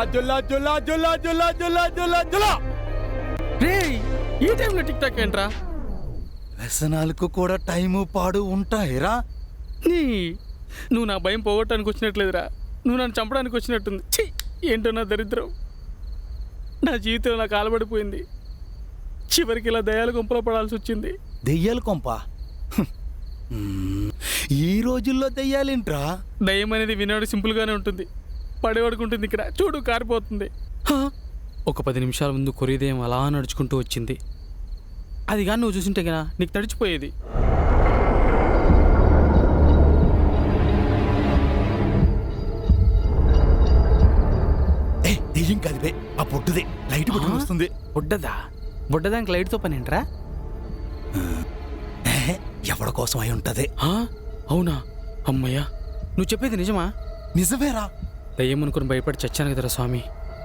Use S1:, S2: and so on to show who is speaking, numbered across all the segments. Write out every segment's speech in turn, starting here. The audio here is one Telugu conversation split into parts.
S1: జుల్లా జుల్లా జుల్లా జుల్లా జుల్లా జుల్లా జుల్లా.
S2: రేయ్, ఈ టైంలో టిక్ టాక్ ఏంట్రా?
S1: వ్యసనాలకు కూడా టైము పాడు ఉంటాయిరా.
S2: నువ్వు నా భయం పోగొట్టడానికి వచ్చినట్లేదురా, నువ్వు నన్ను చంపడానికి వచ్చినట్టుంది. ఛీ, ఏంటో నా దరిద్రం. నా జీవితం నాకు కాలబడిపోయింది. చివరికి ఇలా దయాల గుంపలో పడాల్సి వచ్చింది.
S1: దెయ్యాలు కొంప. ఈ రోజుల్లో దెయ్యాలేంట్రా?
S2: దయ్యం అనేది వినేవాడు సింపుల్గానే ఉంటుంది, పడేవాడికి ఉంటుంది. ఇక్కడ చూడు, కారిపోతుంది. ఒక 10 నిమిషాల ముందు కొరిదయం అలా నడుచుకుంటూ వచ్చింది. అది కానీ నువ్వు చూసింటే కదా నీకు తడిచిపోయేది.
S1: దెయ్యం కాదు బే, ఆ పొట్టుదే లైట్ పట్టుకుని వస్తుంది.
S2: బుడ్డదానికి లైట్తో పని ఏంట్రా?
S1: ఎవరి కోసం అయి ఉంటది.
S2: అవునా? అమ్మయ్యా, నువ్వు చెప్పేది నిజమా?
S1: నిజమేరా.
S2: దయ్యం అనుకుని భయపడి చచ్చాను కదరా స్వామి.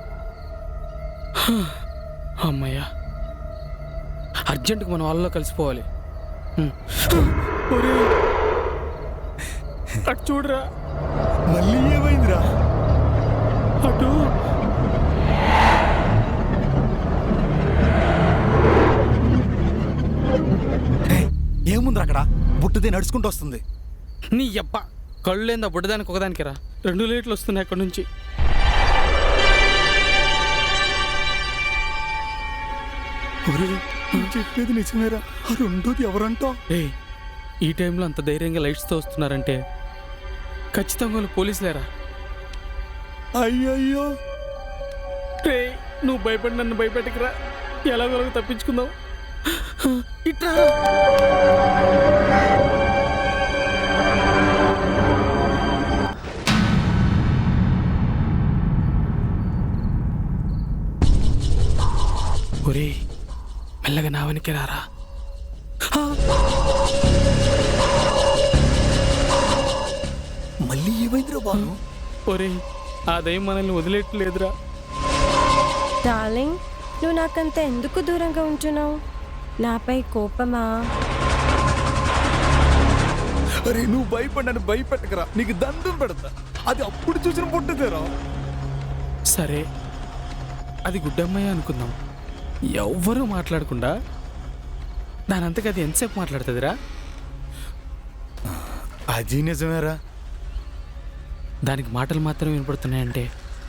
S2: అమ్మయ్యా, అర్జెంటుగా మన వాళ్ళలో కలిసిపోవాలి. అటు చూడరా.
S1: మళ్ళీ ఏమైందిరా?
S2: అటు
S1: ఏముందిరా అక్కడ? బుట్టదే నడుచుకుంటూ వస్తుంది.
S2: నీ యప్ప, కళ్ళు లేదా బుడ్డదానికి ఒకదానికి రా. 2 లైట్లు వస్తున్నాయి అక్కడి నుంచి.
S1: చెప్పేది నిజమేరా. ఆ రెండోది ఎవరంటా?
S2: ఈ టైంలో అంత ధైర్యంగా లైట్స్తో వస్తున్నారంటే ఖచ్చితంగా వాళ్ళు పోలీసులేరా.
S1: అయ్యయ్యో,
S2: నువ్వు భయపడి నన్ను భయపెట్టకురా. ఎలాగో తప్పించుకుందాం. ఇట్రా. ఒరే, మెల్లగా నా వెనక్కి రారా.
S1: మళ్ళీ ఏమైందిరా బాను?
S2: ఒరే, ఆ దయ్యం మనల్ని వదిలేట్లేదురా.
S3: డార్లింగ్, నువ్వు నాకంత ఎందుకు దూరంగా ఉంటున్నావు? నాపై కోపమా?
S1: అరే, నువ్వు భయపడ్డాను భయపెట్టకరా, నీకు దండం పెడతా. అది అప్పుడు చూసిన పుట్టదేరా.
S2: సరే, అది గుడ్డమ్మాయి అనుకుందాం. ఎవ్వరూ మాట్లాడకుండా దానంతకు అది ఎంతసేపు మాట్లాడుతుందిరా?
S1: అది నిజమేరా.
S2: దానికి మాటలు మాత్రం వినపడుతున్నాయంటే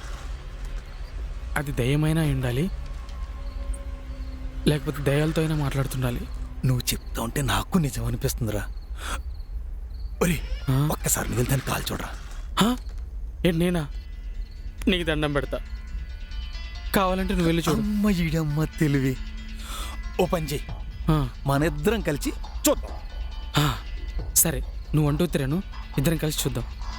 S2: అది దయ్యమైనా ఉండాలి, లేకపోతే దయ్యాలతో అయినా మాట్లాడుతుండాలి.
S1: నువ్వు చెప్తా ఉంటే నాకు నిజం అనిపిస్తుందిరా. ఒరే, ఒక్కసారి నువ్వు దాన్ని కాల్ చూడరా.
S2: ఏంటి నేనా? నీకు దండం పెడతా, కావాలంటే నువ్వు వెళ్ళి చూడు.
S1: అమ్మ ఈడమ్మ తెలివి. ఓ పని చెయ్యి, మన ఇద్దరం కలిసి చూద్దాం.
S2: సరే, నువ్వు అంటూ తిరాను, ఇద్దరం కలిసి చూద్దాం.